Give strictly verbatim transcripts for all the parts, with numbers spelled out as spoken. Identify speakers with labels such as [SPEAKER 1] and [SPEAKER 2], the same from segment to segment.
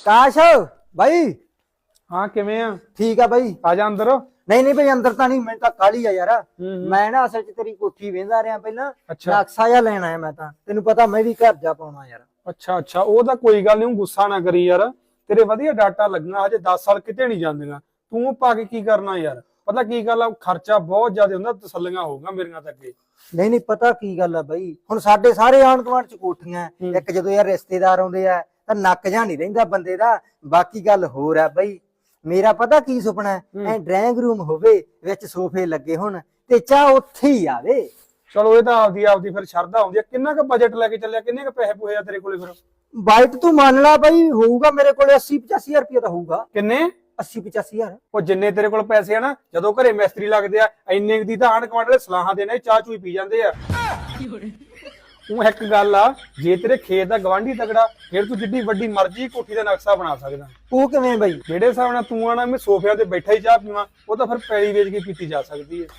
[SPEAKER 1] ਕਾਸ਼ ਬਾਈ।
[SPEAKER 2] ਹਾਂ ਕਿਵੇਂ ਆ?
[SPEAKER 1] ਠੀਕ ਆ ਬਾਈ।
[SPEAKER 2] ਆ ਜਾ ਅੰਦਰ।
[SPEAKER 1] ਨਹੀਂ ਨਹੀਂ ਬਾਈ ਅੰਦਰ ਤਾਂ ਨਹੀਂ, ਮੈਨੂੰ ਤਾਂ ਕਾਹਲੀ ਆ ਯਾਰ। ਮੈਂ ਨਾ ਅਸਲ ਚ ਤੇਰੀ ਕੋਠੀ ਵੇਂਦਾ ਰਿਹਾ ਪਹਿਲਾਂ, ਨਕਸ਼ਾ ਜਿਹਾ ਲੈਣ ਆਇਆ ਮੈਂ ਤਾਂ। ਤੈਨੂੰ ਪਤਾ ਮੈਂ ਵੀ ਘਰ ਜਾ ਪਾਉਣਾ ਯਾਰ।
[SPEAKER 2] ਅੱਛਾ ਅੱਛਾ, ਉਹ ਤਾਂ ਕੋਈ ਗੱਲ ਨਹੀਂ, ਗੁੱਸਾ ਨਾ ਕਰੀ ਯਾਰ। ਤੇਰੇ ਵਧੀਆ ਡਾਟਾ ਲੱਗਣਾ, ਹਜੇ ਦਸ ਸਾਲ ਕਿਤੇ ਨਹੀਂ ਜਾਂਦੀਆਂ। ਤੂੰ ਪਾ ਕੇ ਕੀ ਕਰਨਾ ਯਾਰ? ਪਤਾ ਕੀ ਗੱਲ ਆ, ਖਰਚਾ ਬਹੁਤ ਜ਼ਿਆਦਾ ਹੁੰਦਾ, ਤਸੱਲੀਆਂ ਹੋਊਗਾ ਮੇਰੀਆਂ ਤਾਂ ਅੱਗੇ।
[SPEAKER 1] ਨਹੀਂ ਨਹੀਂ ਪਤਾ ਕੀ ਗੱਲ ਆ ਬਾਈ, ਹੁਣ ਸਾਡੇ ਸਾਰੇ ਆਂਢ ਗੁਆਂਢ ਚ ਕੋਠੀਆਂ, ਇੱਕ ਜਦੋਂ ਯਾਰ ਰਿਸ਼ਤੇਦਾਰ ਆਉਂਦੇ ਆ ਤਾਂ ਨੱਕ ਜਾ ਨਹੀਂ ਰਹਿੰਦਾ ਬੰਦੇ ਦਾ। ਬਾਕੀ ਗੱਲ ਹੋਰ ਆ ਬਾਈ, ਮੇਰਾ ਪਤਾ ਕੀ ਸੁਪਨਾ ਐ, ਡਰਾਇੰਗ ਰੂਮ ਹੋਵੇ, ਵਿੱਚ ਸੋਫੇ ਲੱਗੇ ਹੋਣ ਤੇ ਚਾਹ ਉੱਥੇ ਹੀ ਆਵੇ।
[SPEAKER 2] ਚਲੋ ਇਹ ਤਾਂ ਆਪਦੀ ਆਪਦੀ ਫਿਰ ਸ਼ਰਧਾ ਹੁੰਦੀ ਆ। ਕਿੰਨਾ ਕੁ ਬਜਟ ਲੈ ਕੇ ਚੱਲਿਆ? ਕਿੰਨੇ ਕੁ ਪੈਸੇ ਪੂਏ ਆ ਤੇਰੇ ਕੋਲੇ? ਫਿਰ
[SPEAKER 1] ਬਾਈਟ ਤੂੰ ਮੰਨ ਲਾ ਬਾਈ, ਹੋਊਗਾ ਮੇਰੇ ਕੋਲੇ ਅੱਸੀ ਪਚਾਸੀ ਹਜ਼ਾਰ ਰੁਪਇਆ ਤਾਂ ਹੋਊਗਾ।
[SPEAKER 2] ਕਿੰਨੇ?
[SPEAKER 1] ਅੱਸੀ ਪਚਾਸੀ ਹਜ਼ਾਰ।
[SPEAKER 2] ਉਹ ਜਿੰਨੇ ਤੇਰੇ ਕੋਲ ਪੈਸੇ ਆ ਨਾ, ਜਦੋਂ ਘਰੇ ਮਿਸਤਰੀ ਲੱਗਦੇ ਆ, ਇੰਨੇ ਦੀ ਤਾਂ ਆਂਢ ਗੁਆਂਢ ਦੇ ਸਲਾਹਾਂ ਦੇਣੇ, ਚਾਹ ਚੂਈ ਪੀ ਜਾਂਦੇ ਆ। ਉਹ ਇੱਕ ਗੱਲ ਆ, ਜੇ ਤੇਰੇ ਖੇਤ ਦਾ ਗਵਾਂਢੀ ਤਗੜਾ, ਫਿਰ ਤੂੰ ਜਿੱਡੀ ਵੱਡੀ ਮਰਜ਼ੀ ਕੋਠੀ ਦਾ ਨਕਸ਼ਾ ਬਣਾ ਸਕਦਾ।
[SPEAKER 1] ਉਹ ਕਿਵੇਂ ਬਾਈ?
[SPEAKER 2] ਜਿਹੜੇ ਹਿਸਾਬ ਨਾਲ ਤੂੰ ਆਣਾ ਮੈਂ ਸੋਫਿਆਂ ਤੇ ਬੈਠਾ ਹੀ ਚਾਹ ਪੀਵਾਂ, ਉਹ ਤਾਂ ਫਿਰ ਪੈਲੀ ਵੇਚ ਕੇ ਪੀਤੀ ਜਾ ਸਕਦੀ ਹੈ।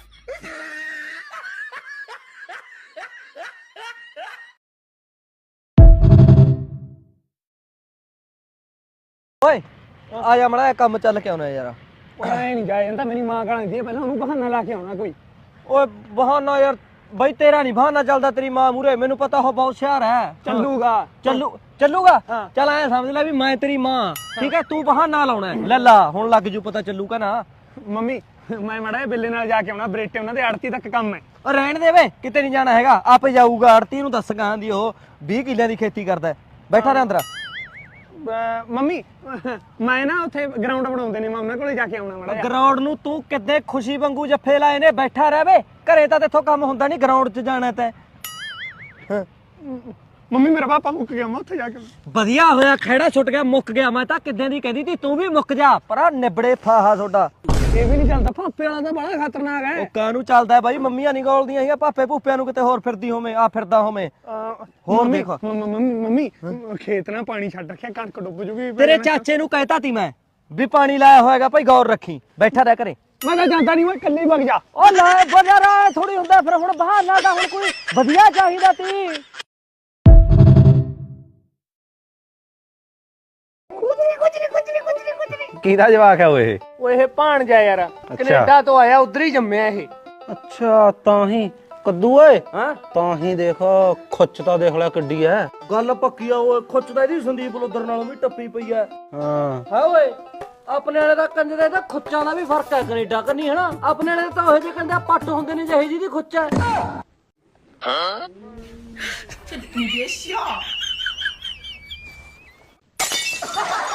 [SPEAKER 3] ਓਏ ਆ ਜਾ ਮੜਾ ਕੰਮ ਚੱਲ ਕੇ ਆਉਣਾ ਯਾਰ।
[SPEAKER 2] ਓਏ ਐ ਨਹੀਂ ਜਾਇਆ ਜਾਂਦਾ, ਮੇਰੀ ਮਾਂ ਗਾਲਾਂ ਦਿੰਦੀ, ਪਹਿਲਾਂ ਉਹਨੂੰ ਬਹਾਨਾ ਲਾ ਕੇ ਆਉਣਾ ਕੋਈ।
[SPEAKER 3] ਓਏ ਬਹਾਨਾ ਯਾਰ ਬਈ, ਤੇਰਾ ਨਹੀਂ ਬਹਾਨਾ ਚੱਲਦਾ, ਤੇਰੀ ਮਾਂ ਮੂਰੇ ਮੈਨੂੰ ਪਤਾ ਉਹ ਬਹੁਤ ਹੁਸ਼ਿਆਰ ਹੈ।
[SPEAKER 2] ਚੱਲੂਗਾ
[SPEAKER 3] ਚੱਲੂ ਚੱਲੂਗਾ। ਚੱਲ ਐ ਸਮਝ ਲੈ ਵੀ ਮੈਂ ਤੇਰੀ ਮਾਂ, ਠੀਕ ਹੈ? ਤੂੰ ਬਹਾਨਾ ਲਾਉਣਾ ਲੈ ਲਾ, ਹੁਣ ਲੱਗ ਜੂ ਪਤਾ ਚੱਲੂਗਾ ਨਾ।
[SPEAKER 2] ਮੰਮੀ ਮੈਂ ਮੜਾ ਬਿੱਲੇ ਨਾਲ ਜਾ ਕੇ ਆਉਣਾ, ਬਰੇਟੇ ਉਹਨਾਂ ਦੇ ਆੜਤੀ ਤੱਕ ਕੰਮ ਹੈ।
[SPEAKER 3] ਓ ਰਹਿਣ ਦੇ ਵੇ, ਕਿਤੇ ਨਹੀਂ ਜਾਣਾ ਹੈਗਾ, ਆਪੇ ਜਾਊਗਾ। ਆੜਤੀ ਨੂੰ ਦੱਸ ਗਾਂ ਦੀ ਉਹ ਵੀਹ ਕਿੱਲਿਆਂ ਦੀ ਖੇਤੀ ਕਰਦਾ। ਬੈਠਾ ਰਹਿ ਅੰਦਰ।
[SPEAKER 2] ਮੰਮੀ ਮੈਂ ਨਾ ਉੱਥੇ ਗਰਾਊਂਡ ਬਣਾਉਂਦੇ ਨੇ, ਮੈਂ ਉਹਨਾਂ ਕੋਲੇ ਜਾ ਕੇ ਆਉਣਾ ਮੜਾ।
[SPEAKER 3] ਗਰਾਊਂਡ ਨੂੰ ਤੂੰ ਕਿੱਦੇ ਖੁਸ਼ੀ ਵਾਂਗੂ ਜੱਫੇ ਲਾਏ ਨੇ, ਬੈਠਾ ਰਹਿ ਵੇ। ਘਰੇ ਤਾਂ ਤੇਥੋਂ ਕੰਮ ਹੁੰਦਾ ਨਹੀਂ, ਗਰਾਊਂਡ 'ਚ ਜਾਣਾ ਤੈਂ।
[SPEAKER 2] ਮੰਮੀ ਮੇਰਾ ਪਾਪਾ ਮੁੱਕ ਗਿਆ, ਮੈਂ ਉੱਥੇ ਜਾ ਕੇ।
[SPEAKER 3] ਵਧੀਆ ਹੋਇਆ, ਖਹਿੜਾ ਛੁੱਟ ਗਿਆ, ਮੁੱਕ ਗਿਆ। ਮੈਂ ਤਾਂ ਕਿੱਦਾਂ ਦੀ ਕਹਿੰਦੀ ਤੀ ਤੂੰ ਵੀ ਮੁੱਕ ਜਾ, ਪਰ ਨਿਬੜੇ ਫਾਹਾ ਤੁਹਾਡਾ।
[SPEAKER 2] ਇਹ ਵੀ ਨਹੀਂ ਚੱਲਦਾ, ਪਾਪੇ ਵਾਲਾ ਤਾਂ ਬੜਾ ਖਤਰਨਾਕ ਹੈ।
[SPEAKER 3] ਉਹ ਕਾਹਨੂੰ ਚੱਲਦਾ ਬਾਈ, ਮੰਮੀਆਂ ਨਹੀਂ ਗੋਲਦੀਆਂ ਹੈਗੀਆਂ, ਪਾਪੇ ਭੂਪਿਆਂ ਨੂੰ ਕਿਤੇ ਹੋਰ ਫਿਰਦੀ ਹੋਵੇਂ, ਆ ਫਿਰਦਾ ਹੋਵੇਂ। ਹੋਰ ਦੇਖ
[SPEAKER 2] ਮੰਮੀ ਮੰਮੀ ਖੇਤ ਨਾਲ ਪਾਣੀ ਛੱਡ ਰੱਖਿਆ, ਕਣਕ ਡੁੱਬ ਜੂਗੀ।
[SPEAKER 3] ਤੇਰੇ ਚਾਚੇ ਨੂੰ ਕਹਿਤਾ ਤੀ ਮੈਂ ਵੀ ਪਾਣੀ ਲਾਇਆ ਹੋਏਗਾ ਭਾਈ, ਗੌਰ ਰੱਖੀ, ਬੈਠਾ ਰਹਿ ਘਰੇ।
[SPEAKER 2] ਮੈਂ ਤਾਂ ਜਾਂਦਾ ਨਹੀਂ, ਮੈਂ ਇਕੱਲੇ ਵਗ ਜਾ।
[SPEAKER 3] ਉਹ ਲੈ ਬਜ਼ਾਰਾ ਥੋੜੀ ਹੁੰਦਾ, ਫਿਰ ਹੁਣ ਬਹਾਨਾ ਦਾ ਹੁਣ ਕੋਈ ਵਧੀਆ ਚਾਹੀਦਾ ਤੀ।
[SPEAKER 4] ਕਿਹਦਾ ਜਵਾਕ ਹੈ ਓਏ?
[SPEAKER 3] ਓਏ ਇਹ ਭਾਣਜਾ ਯਾਰ, ਕੈਨੇਡਾ ਤੋਂ ਆਇਆ, ਉਧਰ ਹੀ ਜੰਮਿਆ ਇਹ।
[SPEAKER 4] ਅੱਛਾ ਤਾਂ ਹੀ ਕੱਦੂ ਓਏ।
[SPEAKER 3] ਹਾਂ
[SPEAKER 4] ਤਾਂ ਹੀ ਦੇਖ, ਖੁੱਚ ਤਾਂ ਦੇਖ ਲੈ ਕਿੱਡੀ ਐ।
[SPEAKER 3] ਗੱਲ ਪੱਕੀ ਆ ਓਏ, ਖੁੱਚਦਾ ਇਹਦੀ ਸੰਦੀਪ ਲੋਦਰ ਨਾਲੋਂ ਵੀ ਟੱਪੀ ਪਈ ਐ।
[SPEAKER 4] ਹਾਂ
[SPEAKER 3] ਹਾਂ ਓਏ, ਆਪਣੇ ਵਾਲੇ ਦਾ ਕੰਜਰੇ ਦਾ ਖੁੱਚਾਂ ਦਾ ਵੀ ਫਰਕ ਹੈ ਕੈਨੇਡਾ ਕਰਨੀ, ਹਨਾ? ਆਪਣੇ ਵਾਲੇ ਤਾਂ ਉਹ ਜਿਹੇ ਕੰਜਾ ਪੱਟ ਹੁੰਦੇ ਨੇ ਜਿਹੇ ਜਿਹਦੀ ਖੁੱਚ ਹੈ। ਹਾਂ ਤੂੰ